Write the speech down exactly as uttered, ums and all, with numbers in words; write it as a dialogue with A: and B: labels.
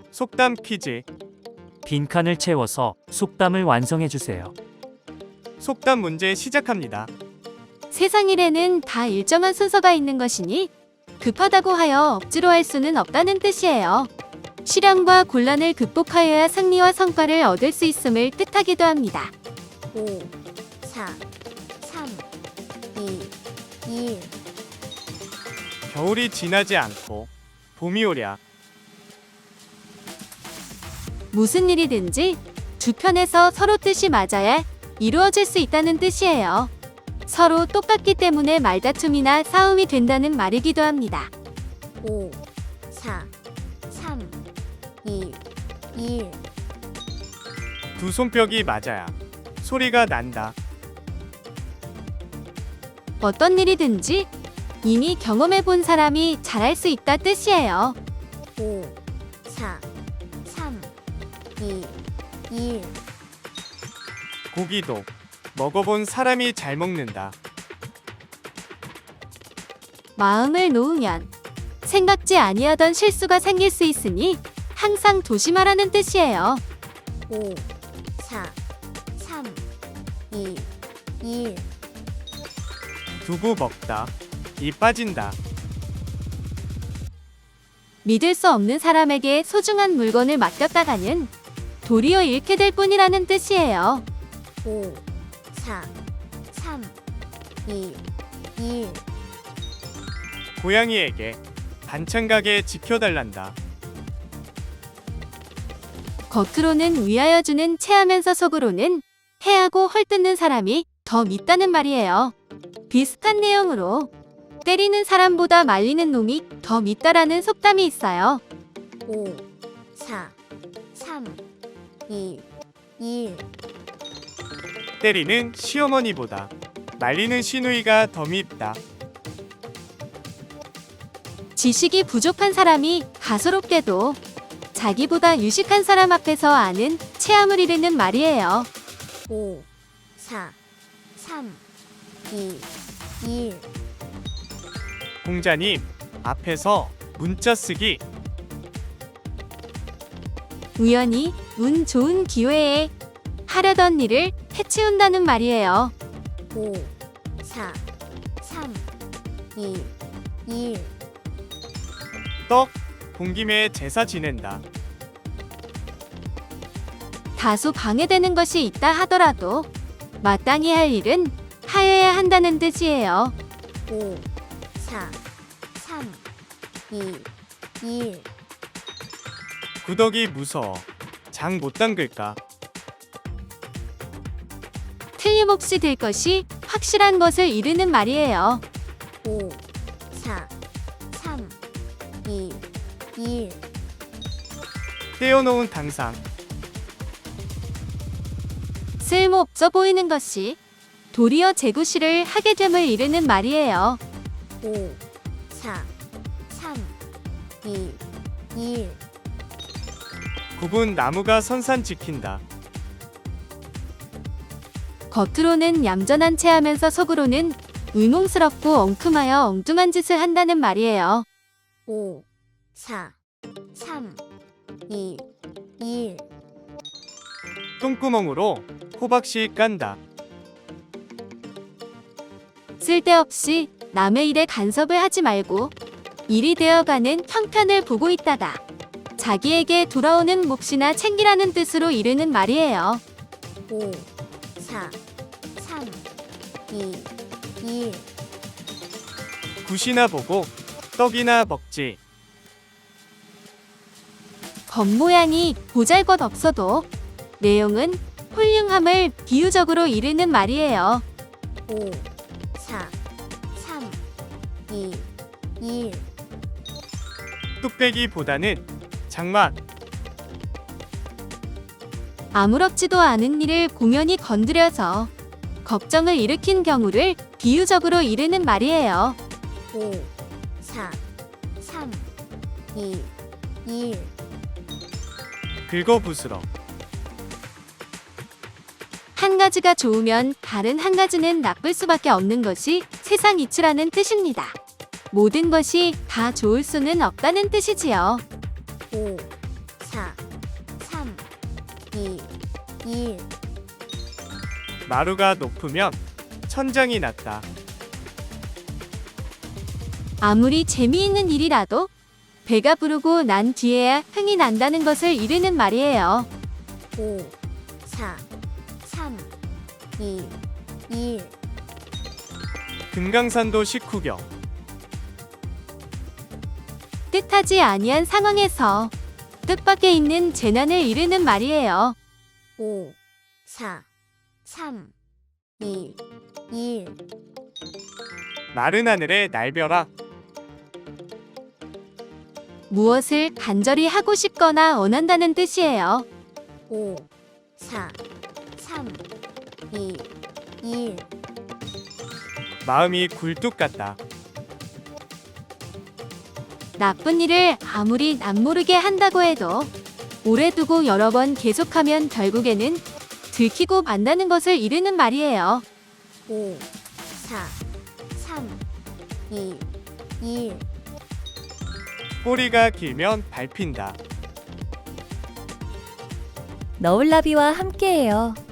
A: 속담 퀴즈.
B: 빈칸을 채워서 속담을 완성해 주세요.
A: 속담 문제 시작합니다.
C: 세상 일에는 다 일정한 순서가 있는 것이니 급하다고 하여 억지로 할 수는 없다는 뜻이에요. 시련과 곤란을 극복하여야 승리와 성과를 얻을 수 있음을 뜻하기도 합니다.
D: 오, 사, 삼, 이, 일.
A: 겨울이 지나지 않고 봄이 오랴.
C: 무슨 일이든지 두 편에서 서로 뜻이 맞아야 이루어질 수 있다는 뜻이에요. 서로 똑같기 때문에 말다툼이나 싸움이 된다는 말이기도 합니다.
D: 오, 사, 삼, 이, 일.
A: 두 손뼉이 맞아야 소리가 난다.
C: 어떤 일이든지 이미 경험해 본 사람이 잘할 수 있다 뜻이에요.
D: 오, 사, 삼, 이, 일.
A: 고기도 먹어본 사람이 잘 먹는다.
C: 마음을 놓으면 생각지 아니하던 실수가 생길 수 있으니 항상 조심하라는 뜻이에요.
D: 오, 사, 삼, 이, 일.
A: 두고 먹다. 이 빠진다.
C: 믿을 수 없는 사람에게 소중한 물건을 맡겼다가는 도리어 잃게 될 뿐이라는 뜻이에요.
D: 오, 사, 삼, 이, 일.
A: 고양이에게 반찬 가게 지켜달란다.
C: 겉으로는 위하여 주는 체하면서 속으로는 해하고 헐뜯는 사람이 더 밉다는 말이에요. 비슷한 내용으로 때리는 사람보다 말리는 놈이 더 밉다라는 속담이 있어요.
D: 오, 사, 삼, 이, 일.
A: 때리는 시어머니보다 말리는 시누이가 더 밉다.
C: 지식이 부족한 사람이 가소롭게도 자기보다 유식한 사람 앞에서 아는 체함을 이르는 말이에요.
D: 오, 사, 삼, 이, 일.
A: 공자님 앞에서 문자 쓰기.
C: 우연히 운 좋은 기회에 하려던 일을 해치운다는 말이에요.
D: 오, 사, 삼, 이, 일.
A: 떡 본 김에 제사 지낸다.
C: 다소 방해되는 것이 있다 하더라도 마땅히 할 일은 하여야 한다는 뜻이에요.
D: 오, 사, 삼, 이, 일.
A: 구덕이 무서워 장 못 담글까.
C: 틀림없이 될 것이 확실한 것을 이르는 말이에요.
D: 오, 사, 삼, 이, 일.
A: 떼어놓은 당상.
C: 쓸모없어 보이는 것이 도리어 재구시를 하게 됨을 이르는 말이에요.
D: 오, 사, 삼, 이, 일.
A: 굽은 나무가 선산 지킨다.
C: 겉으로는 얌전한 체하면서 속으로는 의몽스럽고 엉큼하여 엉뚱한 짓을 한다는 말이에요.
D: 오, 사, 삼, 이, 일.
A: 똥구멍으로 호박씨 깐다.
C: 쓸데없이 남의 일에 간섭을 하지 말고 일이 되어가는 형편을 보고 있다가 자기에게 돌아오는 몫이나 챙기라는 뜻으로 이르는 말이에요.
D: 오, 사, 삼, 이, 일.
A: 굿이나 보고 떡이나 먹지.
C: 겉모양이 보잘것없어도 내용은 훌륭함을 비유적으로 이르는 말이에요.
D: 오, 사, 삼, 이, 일.
A: 뚝배기보다는 장맛.
C: 아무렇지도 않은 일을 공연히 건드려서 걱정을 일으킨 경우를 비유적으로 이르는 말이에요.
D: 오, 사, 삼, 이, 일.
A: 긁어부스러.
C: 한 가지가 좋으면 다른 한 가지는 나쁠 수밖에 없는 것이 세상 이치라는 뜻입니다. 모든 것이 다 좋을 수는 없다는 뜻이지요.
D: 오, 사, 삼, 이, 일.
A: 마루가 높으면 천장이 낮다.
C: 아무리 재미있는 일이라도 배가 부르고 난 뒤에야 흥이 난다는 것을 이르는 말이에요.
D: 오, 사, 삼, 이, 일.
A: 금강산도 식후경.
C: 뜻하지 아니한 상황에서 뜻밖에 있는 재난을 이르는 말이에요.
D: 오, 사, 삼, 이, 일.
A: 마른 하늘에 날벼락.
C: 무엇을 간절히 하고 싶거나 원한다는 뜻이에요.
D: 오, 사, 삼, 이, 일.
A: 마음이 굴뚝 같다.
C: 나쁜 일을 아무리 남모르게 한다고 해도 오래 두고 여러 번 계속하면 결국에는 들키고 만다는 것을 이르는 말이에요.
D: 오, 사, 삼, 이, 일.
A: 꼬리가 길면 밟힌다.
E: 너울나비와 함께해요.